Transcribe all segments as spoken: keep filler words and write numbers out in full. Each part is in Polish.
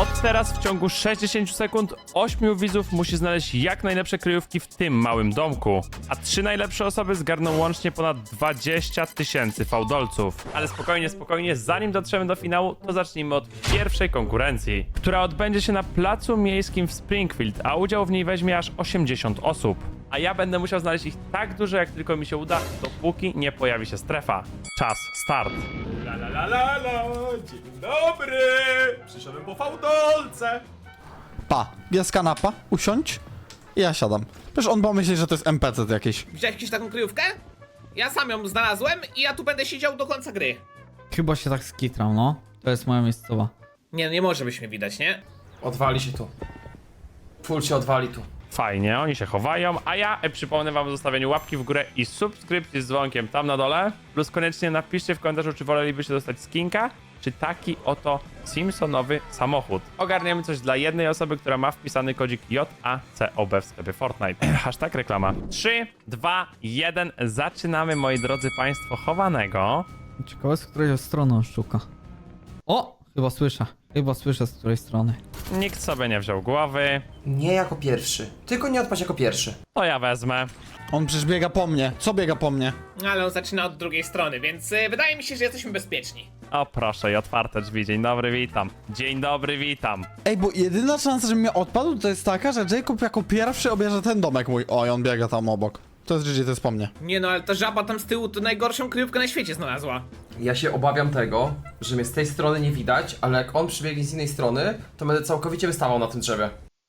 Od teraz w ciągu sześćdziesięciu sekund ośmiu widzów musi znaleźć jak najlepsze kryjówki w tym małym domku. A trzy najlepsze osoby zgarną łącznie ponad dwadzieścia tysięcy fałdolców. Ale spokojnie, spokojnie, zanim dotrzemy do finału, to zacznijmy od pierwszej konkurencji, która odbędzie się na placu miejskim w Springfield, a udział w niej weźmie aż osiemdziesiąt osób. A ja będę musiał znaleźć ich tak dużo, jak tylko mi się uda, dopóki nie pojawi się strefa. Czas, start. La la la la la, dzień dobry! Przyszedłem po fałdolce! Pa, jest kanapa, usiądź i ja siadam. Przecież on pomyśli, że to jest N P C jakiś. Widziałeś jakąś taką kryjówkę? Ja sam ją znalazłem i ja tu będę siedział do końca gry. Chyba się tak skitrał, no. To jest moja miejscowa. Nie, nie może być mnie widać, nie? Odwali się tu. Full się odwali tu. Fajnie, oni się chowają, a ja e, przypomnę wam o zostawieniu łapki w górę i subskrypcji z dzwonkiem tam na dole. Plus koniecznie napiszcie w komentarzu, czy wolelibyście dostać skinka, czy taki oto Simpsonowy samochód. Ogarniemy coś dla jednej osoby, która ma wpisany kodzik J A C O B w sklepie Fortnite. Hashtag reklama. trzy, dwa, jeden. Zaczynamy, moi drodzy państwo, chowanego. Ciekawe, z której strony on szuka. O! Chyba słyszę. Chyba słyszę, z której strony. Nikt sobie nie wziął głowy. Nie jako pierwszy. Tylko nie odpaść jako pierwszy. To ja wezmę. On przecież biega po mnie. Co biega po mnie? Ale on zaczyna od drugiej strony, więc y, wydaje mi się, że jesteśmy bezpieczni. O proszę, i otwarte drzwi. Dzień dobry, witam. Dzień dobry, witam. Ej, bo jedyna szansa, że mnie odpadł, to jest taka, że Jacob jako pierwszy obierze ten domek mój. Oj, on biega tam obok. To jest G G, to jest po mnie. Nie no, ale ta żaba tam z tyłu to najgorszą kryjówkę na świecie znalazła. Ja się obawiam tego, że mnie z tej strony nie widać, ale jak on przybiegnie z innej strony, to będę całkowicie wystawał na tym drzewie.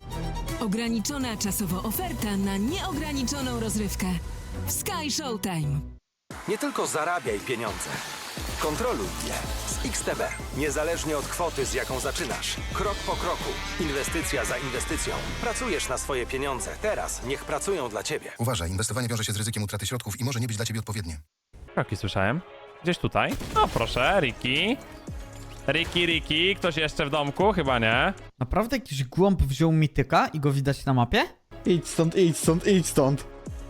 Ograniczona czasowo oferta na nieograniczoną rozrywkę. W Sky Showtime. Nie tylko zarabiaj pieniądze. Kontroluj je z X T B. Niezależnie od kwoty, z jaką zaczynasz. Krok po kroku. Inwestycja za inwestycją. Pracujesz na swoje pieniądze. Teraz niech pracują dla ciebie. Uważaj, inwestowanie wiąże się z ryzykiem utraty środków i może nie być dla ciebie odpowiednie. Kroki słyszałem. Gdzieś tutaj. O proszę, Ricky. Ricky, Ricky. Ktoś jeszcze w domku? Chyba nie. Naprawdę jakiś głąb wziął mityka i go widać na mapie? Idź stąd, idź stąd, idź stąd.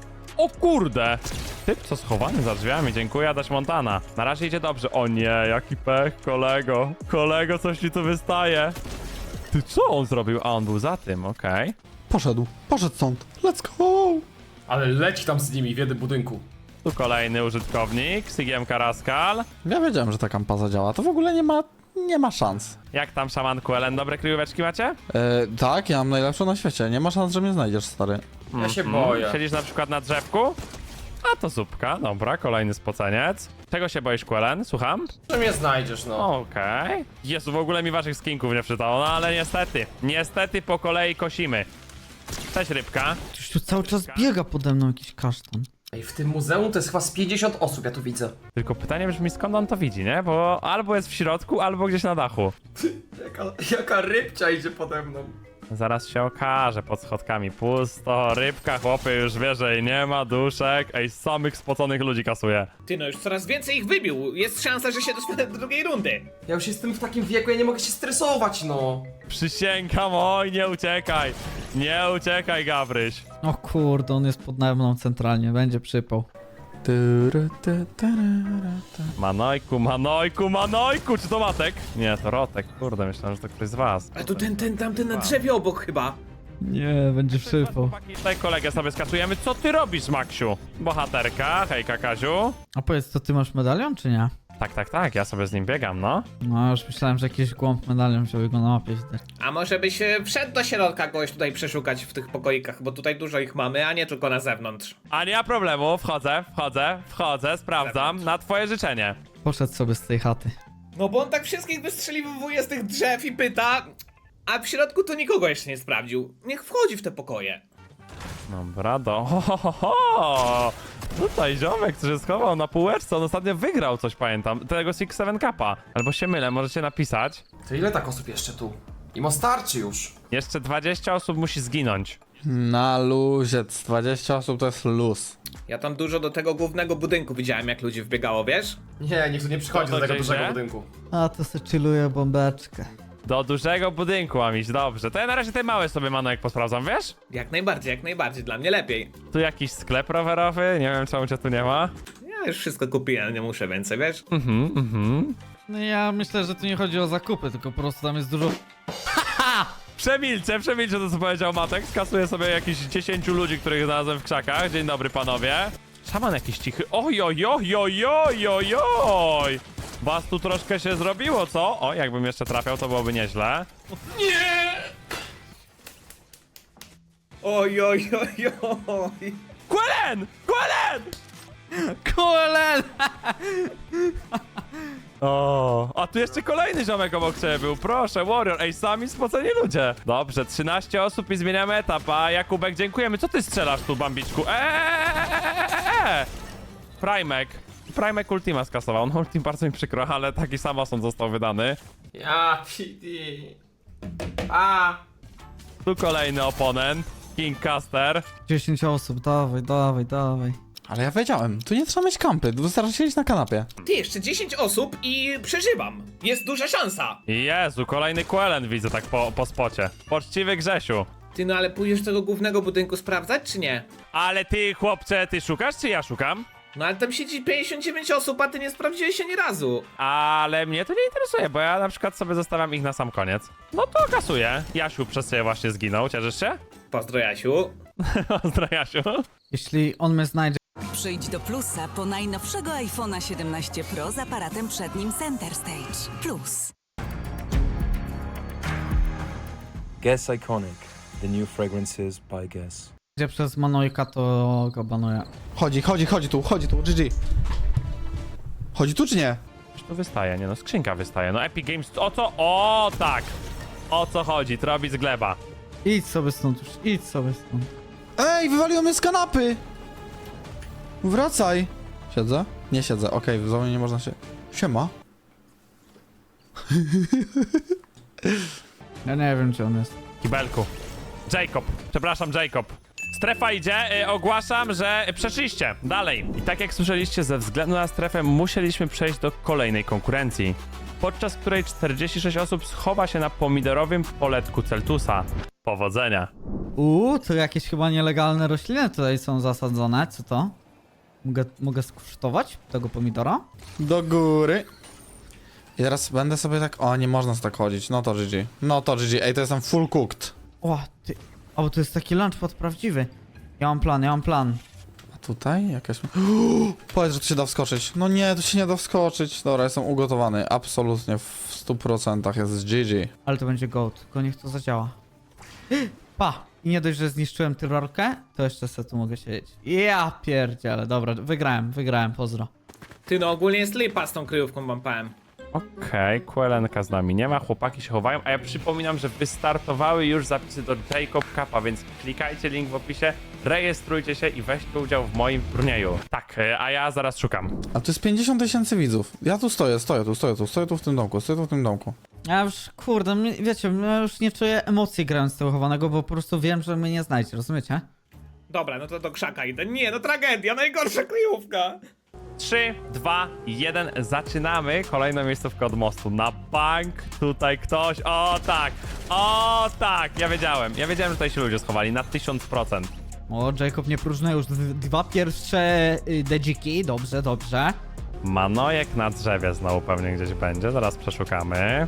O kurde! Typ co schowany za drzwiami, dziękuję, Adaś Montana. Na razie idzie dobrze. O nie, jaki pech, kolego. Kolego, coś ci tu wystaje. Ty co on zrobił? A on był za tym, okej. Poszedł, poszedł stąd. Let's go! Ale leci tam z nimi w jednym budynku. Tu kolejny użytkownik, Sigiemka Raskal. Ja wiedziałem, że ta kampa zadziała. To w ogóle nie ma, nie ma szans. Jak tam, szamanku Ellen, dobre kryjóweczki macie? E, tak, ja mam najlepszą na świecie. Nie ma szans, że mnie znajdziesz, stary. Ja się Mm, boję. Siedzisz na przykład na drzewku? A to zupka, dobra, kolejny spoceniec. Czego się boisz, Quellen? Słucham? Że mnie znajdziesz, no. Okej. Jezu, w ogóle mi waszych skinków nie przytało, no ale niestety. Niestety po kolei kosimy. Cześć, rybka. Ktoś tu cały czas biega pode mną, jakiś kasztan. Ej, w tym muzeum to jest chyba z pięćdziesiąt osób, ja tu widzę. Tylko pytanie brzmi, skąd on to widzi, nie? Bo albo jest w środku, albo gdzieś na dachu. Jaka, jaka rybcia idzie pode mną. Zaraz się okaże, pod schodkami pusto, rybka, chłopy, już wie, że jej nie ma, duszek. Ej, samych spoconych ludzi kasuje. Ty no, już coraz więcej ich wybił. Jest szansa, że się dostanę do drugiej rundy. Ja już jestem w takim wieku, ja nie mogę się stresować, no. Przysięgam, oj, nie uciekaj. Nie uciekaj, Gabryś. O kurde, on jest pod mną centralnie, będzie przypał. Tyry, ty, tyry, ty. Manojku, Manojku, Manojku! Czy to Matek? Nie, to Rotek. Kurde, myślałem, że to ktoś z was. A tu ten, ten, tamten na drzewie obok chyba. Nie, będzie przypał. Chłopaki, tutaj kolegę sobie skasujemy. Co ty robisz, Maksiu? Bohaterka, hejka, Kaziu. A powiedz, to ty masz medalion, czy nie? Tak, tak, tak, ja sobie z nim biegam, no. No, już myślałem, że jakiś głąb medalion wziął i go na mapie widać. A może byś y, wszedł do środka kogoś tutaj przeszukać w tych pokoikach, bo tutaj dużo ich mamy, a nie tylko na zewnątrz. A nie ma problemu, wchodzę, wchodzę, wchodzę, sprawdzam, na twoje życzenie. Poszedł sobie z tej chaty. No bo on tak wszystkich wystrzeliwuje z tych drzew i pyta, a w środku to nikogo jeszcze nie sprawdził. Niech wchodzi w te pokoje. Dobra, do... Ho, ho, ho, ho. Tutaj ziomek, który się schował na półeczce, on ostatnio wygrał coś, pamiętam, tego Six Seven Cupa. Albo się mylę, możecie napisać. To ile tak osób jeszcze tu? Imo starczy już. Jeszcze dwadzieścia osób musi zginąć. Na luzie, dwadzieścia osób to jest luz. Ja tam dużo do tego głównego budynku widziałem, jak ludzi wbiegało, wiesz? Nie, niech tu nie przychodzi To do tego gdzieś, dużego nie? budynku. A, to se chilluje bombeczkę. Do dużego budynku mam iść, dobrze. To ja na razie te małe sobie, Manojek, posprawdzam, wiesz? Jak najbardziej, jak najbardziej, dla mnie lepiej. Tu jakiś sklep rowerowy, nie wiem czemu cię tu nie ma. Ja już wszystko kupiłem, nie muszę więcej, wiesz? Mhm, mhm. No ja myślę, że tu nie chodzi o zakupy, tylko po prostu tam jest dużo... Przemilczę, przemilczę to, co powiedział Matek. Skasuję sobie jakichś dziesięciu ludzi, których znalazłem w krzakach. Dzień dobry, panowie. Szaman jakiś cichy. Oj, oj, oj, oj, oj, oj, oj. Was tu troszkę się zrobiło, co? O, jakbym jeszcze trafiał, to byłoby nieźle. Oj, oj, oj, oj. Quellen! Quellen! Kulel! O, a tu jeszcze kolejny ziomek obok ciebie był, proszę, Warrior, ej, sami spoceni ludzie. Dobrze, trzynaście osób i zmieniamy etap, a Jakubek, dziękujemy. Co ty strzelasz tu, bambiczku? Eee! Primek. Primek Ultima skasował, no Ultim bardzo mi przykro, ale taki sam osąd został wydany. Ja, P D. A. Tu kolejny oponent, King Caster. dziesięć osób, dawaj, dawaj, dawaj. Ale ja wiedziałem, tu nie trzeba mieć kampy, wystarczy siedzieć na kanapie. Ty, jeszcze dziesięć osób i przeżywam. Jest duża szansa. Jezu, kolejny Quellen widzę tak po, po spocie. Poczciwy Grzesiu. Ty, no ale pójdziesz do tego głównego budynku sprawdzać, czy nie? Ale ty, chłopcze, ty szukasz, czy ja szukam? No ale tam siedzi pięćdziesiąt dziewięć osób, a ty nie sprawdziłeś się ani razu. Ale mnie to nie interesuje, bo ja na przykład sobie zostawiam ich na sam koniec. No to kasuję. Jasiu przez ciebie właśnie zginął, cieszysz się? Pozdro, Jasiu. Pozdro, Jasiu. Jeśli on mnie znajdzie, Przyjdź do Plusa po najnowszego iPhone'a siedemnaście Pro z aparatem przednim Center Stage. Plus. Guess Iconic, the new fragrances by Guess. przez Manojka, to go banuję. Chodzi, chodzi, chodzi tu, chodzi tu, G G. Chodzi tu czy nie? Już to wystaje, nie no, skrzynka wystaje. No Epic Games, o co? O tak! O co chodzi? Trobi z gleba. Idź sobie stąd już, idź sobie stąd. Ej, wywaliło mnie z kanapy! Wracaj! Siedzę? Nie siedzę, okej, w zonie nie można się... Siema. Ja nie wiem, czy on jest. Kibelku. Jacob, przepraszam, Jacob. Strefa idzie, y, ogłaszam, że przeszliście dalej. I tak jak słyszeliście, ze względu na strefę musieliśmy przejść do kolejnej konkurencji, podczas której czterdzieści sześć osób schowa się na pomidorowym poletku Celtusa. Powodzenia. Uuu, to jakieś chyba nielegalne rośliny tutaj są zasadzone, co to? Mogę, mogę skosztować tego pomidora? Do góry. I teraz będę sobie tak... O, nie można tak chodzić, no to G G. No to G G, ej, to jestem full cooked. O, ty... O, bo to jest taki lunchpad prawdziwy. Ja mam plan, ja mam plan. A tutaj jakaś... Powiedz, że tu się da wskoczyć. No nie, tu się nie da wskoczyć. Dobra, jestem ugotowany. Absolutnie, w stu procentach jest G G. Ale to będzie goat, tylko niech to zadziała. Pa! I nie dość, że zniszczyłem tyrolkę, to jeszcze sobie tu mogę siedzieć. Ja pierdziele, dobra, wygrałem, wygrałem, pozdro. Ty, no ogólnie jest lipa z tą kryjówką, mam powiem. Okej, okay, Quellenka z nami nie ma, chłopaki się chowają, a ja przypominam, że wystartowały już zapisy do Jacob Cupa, więc klikajcie link w opisie, rejestrujcie się i weźcie udział w moim turnieju. Tak, a ja zaraz szukam. A tu jest pięćdziesiąt tysięcy widzów. Ja tu stoję, stoję tu, stoję tu, stoję tu w tym domku, stoję tu w tym domku. Ja już, kurde, mnie- wiecie, ja już nie czuję emocji grając tego chowanego, bo po prostu wiem, że mnie nie znajdzie, rozumiecie? Dobra, no to do krzaka idę. Nie, no tragedia, najgorsza kryjówka. trzy, dwa, jeden, zaczynamy kolejną miejscówkę od mostu. Na bank tutaj ktoś, o tak, o tak, ja wiedziałem, ja wiedziałem, że tutaj się ludzie schowali na tysiąc procent. O, Jacob nie próżnuje już d- dwa pierwsze y, dedziki, dobrze, dobrze. Manojek na drzewie znowu pewnie gdzieś będzie, zaraz przeszukamy.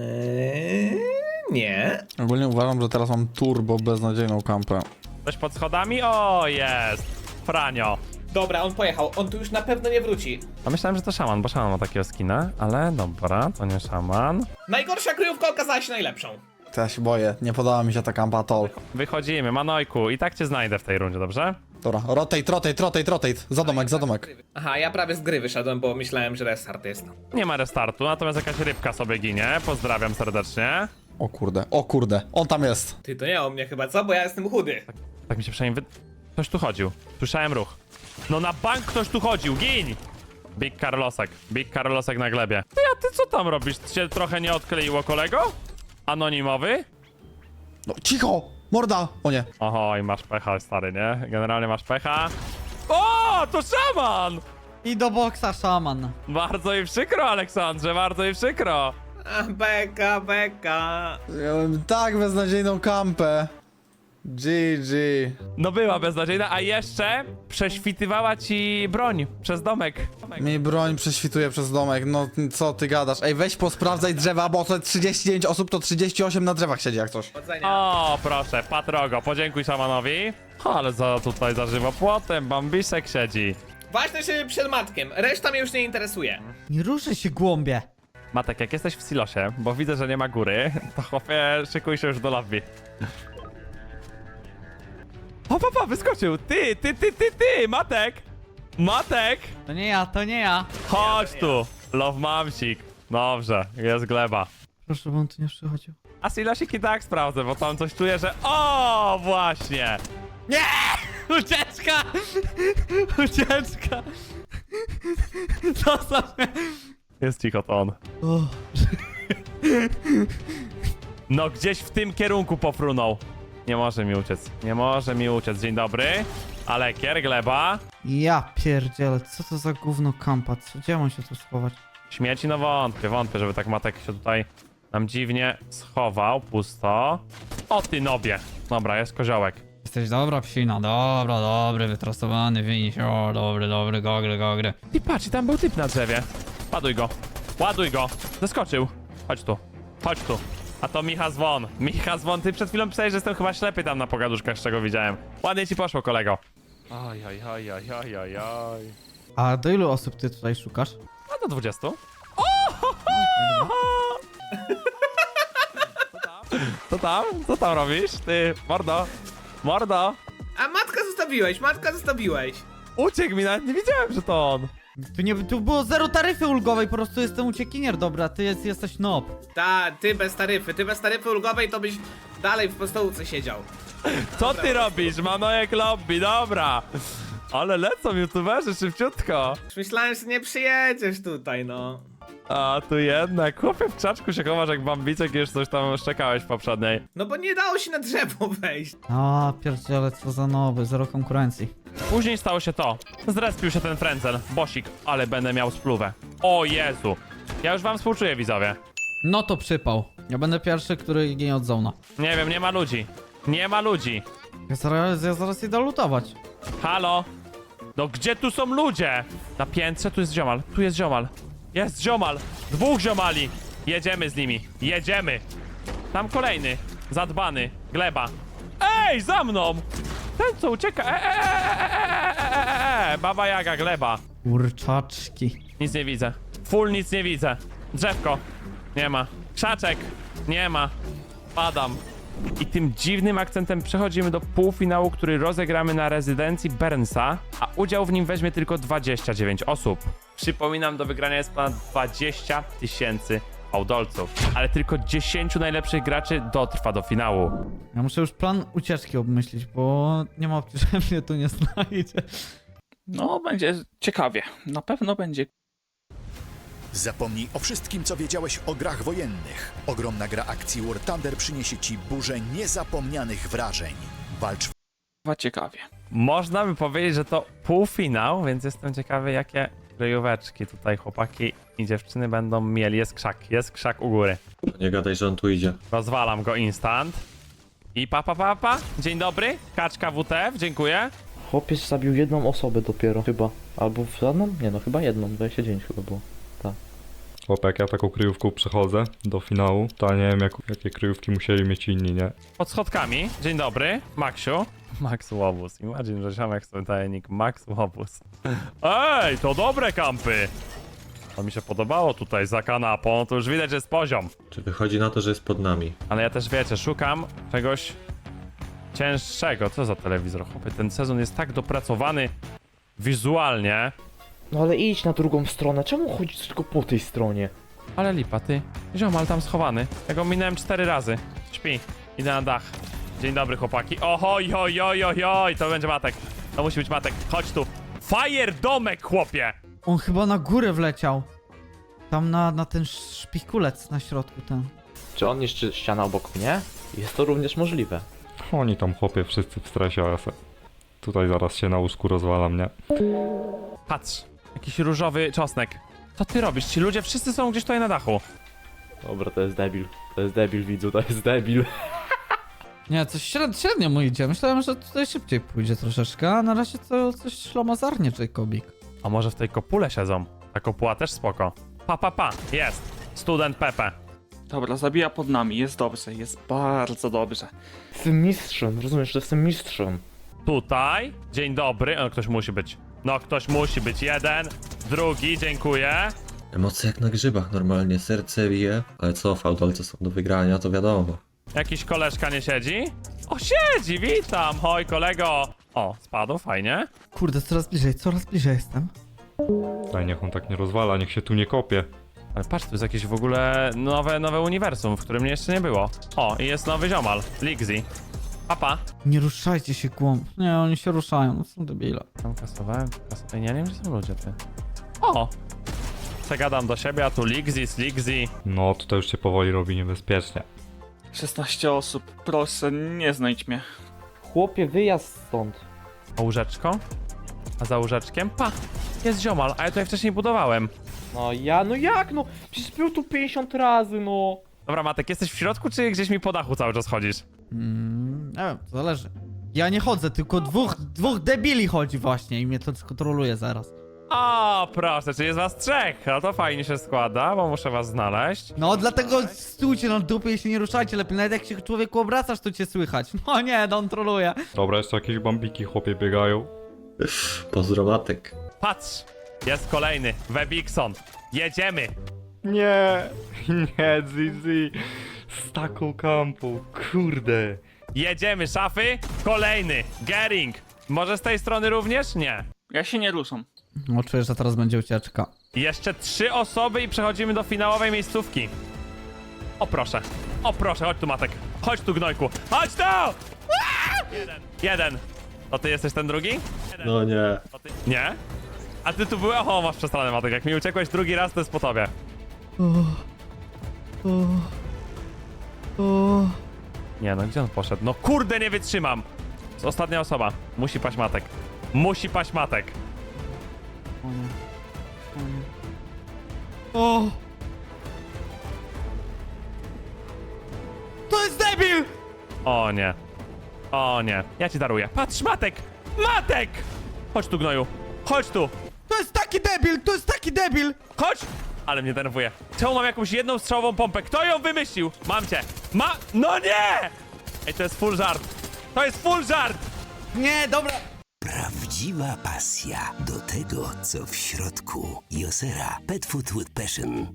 Eee, nie. Ogólnie uważam, że teraz mam turbo beznadziejną kampę. Ktoś pod schodami? O, jest! Franio. Dobra, on pojechał, on tu już na pewno nie wróci. A myślałem, że to szaman, bo szaman ma takiego skina, ale dobra, to nie szaman. Najgorsza kryjówka okazała się najlepszą. To ja się boję, nie podoba mi się ta kampa at all. Wychodzimy, Manojku, i tak cię znajdę w tej rundzie, dobrze? Dobra, rotate, rotate, rotate, rotate. Za domek, za domek. Aha, ja prawie z gry wyszedłem, bo myślałem, że restart jest. Nie ma restartu, natomiast jakaś rybka sobie ginie, pozdrawiam serdecznie. O kurde, o kurde, on tam jest. Ty, to nie o mnie chyba, co? Bo ja jestem chudy. Tak mi się przynajmniej wy... Ktoś tu chodził, słyszałem ruch. No na bank ktoś tu chodził, gin! Big Carlosek, Big Carlosek na glebie. Ty, a ty co tam robisz? Cię trochę nie odkleiło, kolego? Anonimowy? No cicho, morda. O nie. Oho, i masz pecha, stary, nie? Generalnie masz pecha. O, to szaman! I do boksa szaman. Bardzo mi przykro, Aleksandrze, bardzo mi przykro. A, beka, beka. Miałem tak beznadziejną kampę. G G. No była beznadziejna, a jeszcze prześwitywała ci broń przez domek. Mi broń prześwituje przez domek, no co ty gadasz? Ej, weź posprawdzaj drzewa, bo to trzydzieści dziewięć osób, to trzydzieści osiem na drzewach siedzi jak coś. Powodzenia. O, proszę, Patrogo, podziękuj szamanowi. Ale za tutaj za żywopłotem Bambisek siedzi. Ważne, żeby przed matkiem, reszta mnie już nie interesuje. Nie ruszę się, głąbie. Matek, jak jesteś w silosie, bo widzę, że nie ma góry, to chłopie, szykuj się już do lobby. O, papa, wyskoczył! Ty, ty, ty, ty, ty, Matek! Matek! To nie ja, to nie ja. Chodź tu! Love mamsik. Dobrze, jest gleba. Proszę, bo on tu nie przychodził. A silosik i tak sprawdzę, bo tam coś czuję, że... O, właśnie! Nie! Ucieczka! Ucieczka! Zostaw mnie! Jest cicho to on. O. No gdzieś w tym kierunku pofrunął. Nie może mi uciec, nie może mi uciec. Dzień dobry. Alekier, gleba. Ja pierdzielę, co to za gówno kampa? Co, gdzie mam się tu schować? Śmieci, no wątpię, wątpię, żeby tak Matek się tutaj nam dziwnie schował. Pusto. O ty nobie. Dobra, jest koziołek. Jesteś dobra psina, dobra, dobry, wytrasowany, winiś, o, dobry, dobry, gogry, gogry. I patrz, i tam był typ na drzewie. Ładuj go. Ładuj go. Zeskoczył. Chodź tu. Chodź tu. A to Micha Zwon. Micha Zwon, ty przed chwilą pisałeś, że jestem chyba ślepy tam na pogaduszkach, z czego widziałem. Ładnie ci poszło, kolego. Oj, oj, oj, oj, oj, oj, oj. A do ilu osób ty tutaj szukasz? A do dwudziestu. O, ho, ho! Co tam? Co tam? Co tam robisz? Ty, mordo. Mordo. A matka zostawiłeś, matka zostawiłeś. Uciekł mi, nawet nie wiedziałem, że to on. Tu nie, tu było zero taryfy ulgowej, po prostu jestem uciekinier, dobra, ty jest, jesteś nob. Ta, ty bez taryfy, ty bez taryfy ulgowej to byś dalej w postołówce siedział. Co ty robisz? Manojek lobby, dobra. Ale lecą youtuberzy szybciutko. Już myślałem, że nie przyjedziesz tutaj, no. A tu jednak, chłopie w krzaczku się chowasz jak bambicek i już coś tam szczekałeś w poprzedniej. No bo nie dało się na drzewo wejść. A, pierdziele, co za noby, zero konkurencji. Później stało się to. Zrespił się ten frędzel, bosik, ale będę miał spluwę. O Jezu. Ja już wam współczuję, widzowie. No to przypał. Ja będę pierwszy, który ginie od zona. Nie wiem, nie ma ludzi. Nie ma ludzi. Ja zaraz, ja zaraz idę lutować. Halo? No gdzie tu są ludzie? Na piętrze tu jest ziomal, tu jest ziomal. Jest ziomal, dwóch ziomali. Jedziemy z nimi, jedziemy. Tam kolejny, zadbany, gleba. Ej, za mną! Ten co ucieka, e, e, e, e, e, e, Baba Jaga, gleba. Kurczaczki. Nic nie widzę, full nic nie widzę. Drzewko, nie ma. Krzaczek, nie ma. Padam. I tym dziwnym akcentem przechodzimy do półfinału, który rozegramy na rezydencji Bernsa, a udział w nim weźmie tylko dwadzieścia dziewięć osób. Przypominam, do wygrania jest ponad dwadzieścia tysięcy fałdolców, ale tylko dziesięciu najlepszych graczy dotrwa do finału. Ja muszę już plan ucieczki obmyślić, bo nie ma opcji, że mnie tu nie znajdzie. No, będzie ciekawie. Na pewno będzie. Zapomnij o wszystkim, co wiedziałeś o grach wojennych. Ogromna gra akcji War Thunder przyniesie ci burzę niezapomnianych wrażeń. Walcz ciekawie. Można by powiedzieć, że to półfinał, więc jestem ciekawy, jakie kryjóweczki tutaj chłopaki i dziewczyny będą mieli. Jest krzak, jest krzak u góry. Nie gadaj, że on tu idzie. Rozwalam go instant. I pa, pa, pa, pa. Dzień dobry, kaczka W T F, dziękuję. Chłopiec zabił jedną osobę dopiero, chyba. Albo w żadną? Nie no, chyba jedną, dwadzieścia dziewięć chyba było. Tak. Chłopie, jak ja taką kryjówką przechodzę do finału, to nie wiem jak, jakie kryjówki musieli mieć inni, nie? Pod schodkami. Dzień dobry, Maksiu. Max Łobuz. Imagine, że ziomek sobie daje nick Max Łobuz. Ej, to dobre kampy. To mi się podobało tutaj za kanapą, to już widać, że jest poziom. Czy wychodzi na to, że jest pod nami? Ale ja też, wiecie, szukam czegoś cięższego. Co za telewizor? Chłopie, ten sezon jest tak dopracowany wizualnie. No ale idź na drugą stronę, czemu chodzisz tylko po tej stronie? Ale lipa, ty. Ziomal tam schowany. Ja go minąłem cztery razy. Śpi. Idę na dach. Dzień dobry, chłopaki. Ohoj, oj, oj, oj, oj. To będzie Matek. To musi być Matek. Chodź tu. Fire domek, chłopie! On chyba na górę wleciał. Tam na, na ten szpikulec na środku ten. Czy on niszczy ścianę obok mnie? Jest to również możliwe. Oni tam chłopie wszyscy w stresie, a ja se tutaj zaraz się na łóżku rozwalam, nie? Patrz. Jakiś różowy czosnek. Co ty robisz? Ci ludzie wszyscy są gdzieś tutaj na dachu. Dobra, to jest debil. To jest debil, widzu, to jest debil. Nie, coś średnio, średnio mu idzie. Myślałem, że tutaj szybciej pójdzie troszeczkę, a na razie to coś ślamazarnie, Jacobik. A może w tej kopule siedzą? Ta kopuła też spoko. Pa, pa, pa, jest. Student Pepe. Dobra, zabija pod nami, jest dobrze, jest bardzo dobrze. Jestem mistrzem, rozumiesz, że jestem mistrzem. Tutaj, dzień dobry. O, ktoś musi być. No, ktoś musi być. Jeden, drugi, dziękuję. Emocje jak na grzybach normalnie, serce bije. Ale co, fałdolce są do wygrania, to wiadomo. Jakiś koleżka nie siedzi? O, siedzi, witam, hoj kolego. O, spadł, fajnie. Kurde, coraz bliżej, coraz bliżej jestem. Daj, niech on tak nie rozwala, niech się tu nie kopie. Ale patrz, tu jest jakieś w ogóle nowe, nowe uniwersum, w którym mnie jeszcze nie było. O, i jest nowy ziomal, Ligzy. Papa. Nie ruszajcie się, głąb. Nie, oni się ruszają, no są debile. Tam kasowałem, kasowałem, ja nie wiem, gdzie są ludzie, ty. O! Przegadam do siebie, a tu Ligzy, Ligzy. No, tutaj już się powoli robi niebezpiecznie. szesnaście osób, proszę, nie znajdź mnie. Chłopie, wyjazd stąd. A łóżeczko? A za łóżeczkiem? Pa! Jest ziomal, a ja tutaj wcześniej budowałem. No ja, no jak no? Przecież był tu pięćdziesiąt razy, no. Dobra, Matek, jesteś w środku, czy gdzieś mi po dachu cały czas chodzisz? Mm, nie wiem, to zależy. Ja nie chodzę, tylko dwóch, dwóch debili chodzi właśnie i mnie to skontroluje zaraz. O, proszę, czy jest was trzech? No to fajnie się składa, bo muszę was znaleźć. No dlatego stójcie na dupie i się nie ruszajcie lepiej. Nawet jak się człowieku obracasz, to cię słychać. No nie, on troluje. Dobra, jeszcze jakieś bambiki chłopie biegają. Pozdro Matek. Patrz, jest kolejny, Webikson. Jedziemy. Nie, nie, Zizi. Z taką kampą, kurde. Jedziemy, szafy. Kolejny, Gering. Może z tej strony również? Nie. Ja się nie ruszam. No czuję, że teraz będzie ucieczka. Jeszcze trzy osoby i przechodzimy do finałowej miejscówki. O proszę, o proszę, chodź tu Matek. Chodź tu gnojku, chodź tu! Aaa! Jeden, jeden. To ty jesteś ten drugi? Jeden. No nie. To ty... Nie? A ty tu byłeś? O, masz przestranę Matek, jak mi uciekłeś drugi raz, to jest po tobie. Nie no, gdzie on poszedł? No kurde, nie wytrzymam! To jest ostatnia osoba. Musi paść Matek. Musi paść Matek. O! To jest debil! O nie. O nie. Ja ci daruję. Patrz, Matek! Matek! Chodź tu, gnoju. Chodź tu. To jest taki debil, to jest taki debil! Chodź! Ale mnie denerwuje. Czemu mam jakąś jedną strzałową pompę? Kto ją wymyślił? Mam cię. Ma... No nie! Ej, to jest full żart. To jest full żart! Nie, dobra. Prawdziwa pasja do tego, co w środku. Josera Pet Food with Passion.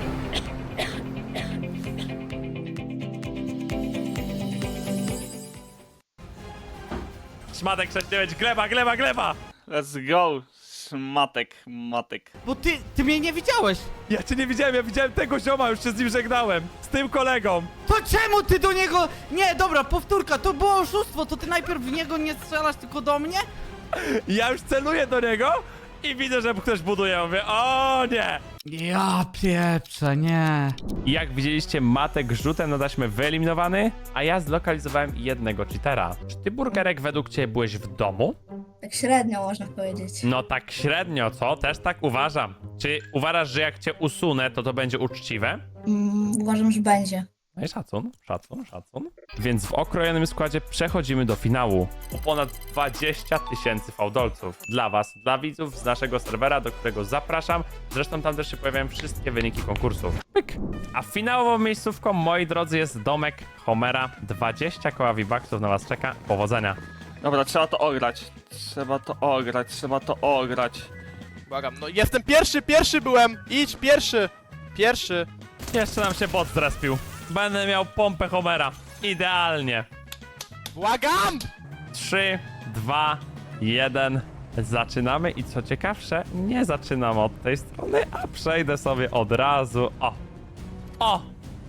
Szmatek sześć dziewięć. Gleba, gleba, gleba! Let's go, szmatek, matek. Bo ty, ty mnie nie widziałeś. Ja cię nie widziałem, ja widziałem tego zioma, już się z nim żegnałem. Z tym kolegą. To czemu ty do niego... Nie, dobra, powtórka, to było oszustwo, to ty najpierw w niego nie strzelasz, tylko do mnie? Ja już celuję do niego i widzę, że ktoś buduje. Ja mówię, o nie! Ja pieprzę, nie. Jak widzieliście, Matek rzutem na taśmę wyeliminowany, a ja zlokalizowałem jednego cheatera. Czy ty, Burgerek, według ciebie byłeś w domu? Tak średnio można powiedzieć. No tak średnio, co? Też tak uważam. Czy uważasz, że jak cię usunę, to to będzie uczciwe? Mm, uważam, że będzie. No i szacun, szacun, szacun. Więc w okrojonym składzie przechodzimy do finału. O ponad dwadzieścia tysięcy fałdolców. Dla was, dla widzów z naszego serwera, do którego zapraszam. Zresztą tam też się pojawiają wszystkie wyniki konkursów. Pyk. A finałową miejscówką, moi drodzy, jest domek Homera. dwadzieścia koła V-Bucksów na was czeka. Powodzenia. Dobra, trzeba to ograć. Trzeba to ograć, trzeba to ograć. Błagam, no jestem pierwszy, pierwszy byłem! Idź, pierwszy! Pierwszy! Jeszcze nam się bot zrespił. Będę miał pompę Homera. Idealnie. Błagam! trzy, dwa, jeden. Zaczynamy i co ciekawsze, nie zaczynam od tej strony, a przejdę sobie od razu. O! O!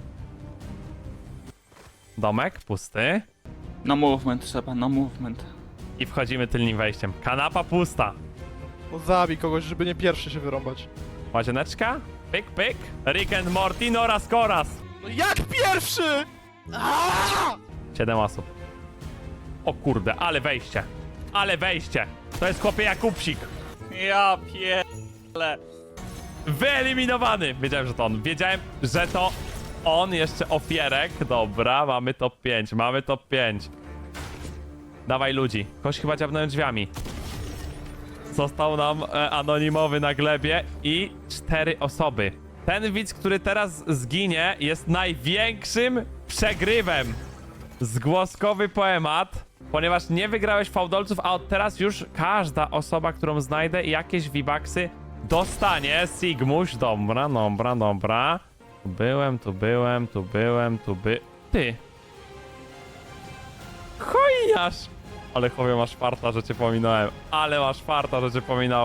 Domek pusty. Na movement trzeba, na movement. I wchodzimy tylnym wejściem. Kanapa pusta. No zabij kogoś, żeby nie pierwszy się wyrąbać. Łazieneczka. Pyk, pyk. Rick and Morty, Noras Koras. No jak pierwszy?! Aaaa! Siedem osób. O kurde, ale wejście. Ale wejście. To jest chłopie Jakubsik. Ja pierdolę. Wyeliminowany. Wiedziałem, że to on. Wiedziałem, że to on, jeszcze ofierek. Dobra, mamy top pięć, mamy top pięć. Dawaj ludzi. Koś chyba dziabnąłem drzwiami. Został nam e, anonimowy na glebie i cztery osoby. Ten widz, który teraz zginie, jest największym przegrywem. Zgłoskowy poemat, ponieważ nie wygrałeś fałdolców, a od teraz już każda osoba, którą znajdę, jakieś V-Bucksy dostanie. Sigmuś, dobra, dobra, dobra. Tu byłem, tu byłem, tu byłem, tu by... Ty! Chojniarz! Ale chłopie, masz farta, że cię pominąłem. Ale masz farta, że cię pominąłem.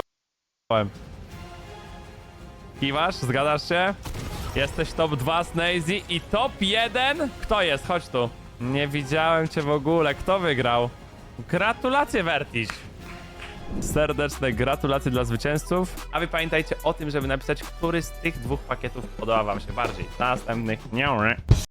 Kiwasz? Zgadzasz się? Jesteś top dwa Snazy i top jeden? Kto jest? Chodź tu. Nie widziałem cię w ogóle. Kto wygrał? Gratulacje, Vertiś. Serdeczne gratulacje dla zwycięzców. A wy pamiętajcie o tym, żeby napisać, który z tych dwóch pakietów podoba wam się bardziej. Następnych nie.